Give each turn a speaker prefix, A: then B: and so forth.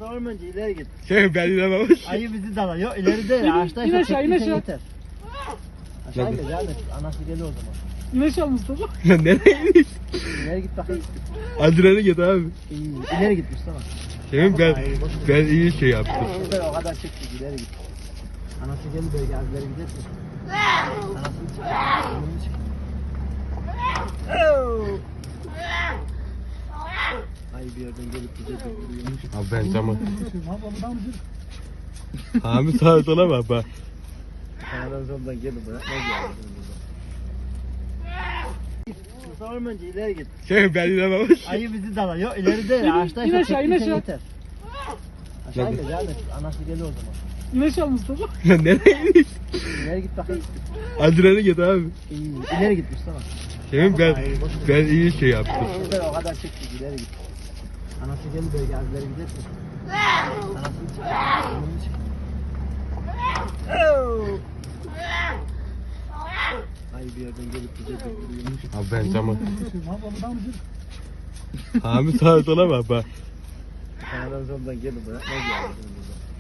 A: Ormancı ileri git.
B: Şey ben inanamamış.
A: Ayı bizi dalar. Yok ileri değil. Ağaçtan
C: in aşağı, in
A: çektikçe
C: aşağı.
A: yeter. Aşağı gel devam et. Anası geliyor o zaman.
C: İlaç al Mustafa.
B: Lan nereye gidiyorsun?
A: İleri git bakayım.
B: Adrenalin git abi.
A: İyi. İleri git Mustafa.
B: Şey ben iyi şey yaptım.
A: Şurada o kadar çektik ileri git. Anası geliyor böyle gel ileri gidersin. Anasını çek. Anasını çek. Ay bir yerden gelip bize dokunuyor.
B: Abi ben zaman. Abi sağa sola bak bak.
A: Sağdan soldan gelin bırak. Ne geldi? Ormancı ileri git.
B: Şey ben inanamamış.
A: Ayı bizi dalar. Yok ileri değil. Ağaçtan
C: in aşağı, in
A: çektikçe
C: aşağı.
A: yeter. Aşağı gel devam et. Anası geliyor o zaman.
C: İlaç al Mustafa.
B: Lan nereye gidiyorsun?
A: İleri git bakayım.
B: Adrenalin git abi.
A: İyi. İleri git Mustafa.
B: Şey ben iyi şey yaptım.
A: Şurada o kadar çektik ileri git. Anası geliyor böyle gel ileri gidersin. Anasını çek. Anasını çek. Ay bir yerden gelip bize dokunuyor.
B: Abi ben zaman. Abi sağa sola bak bak.
A: Sağdan soldan gelin bırak. Ne geldi?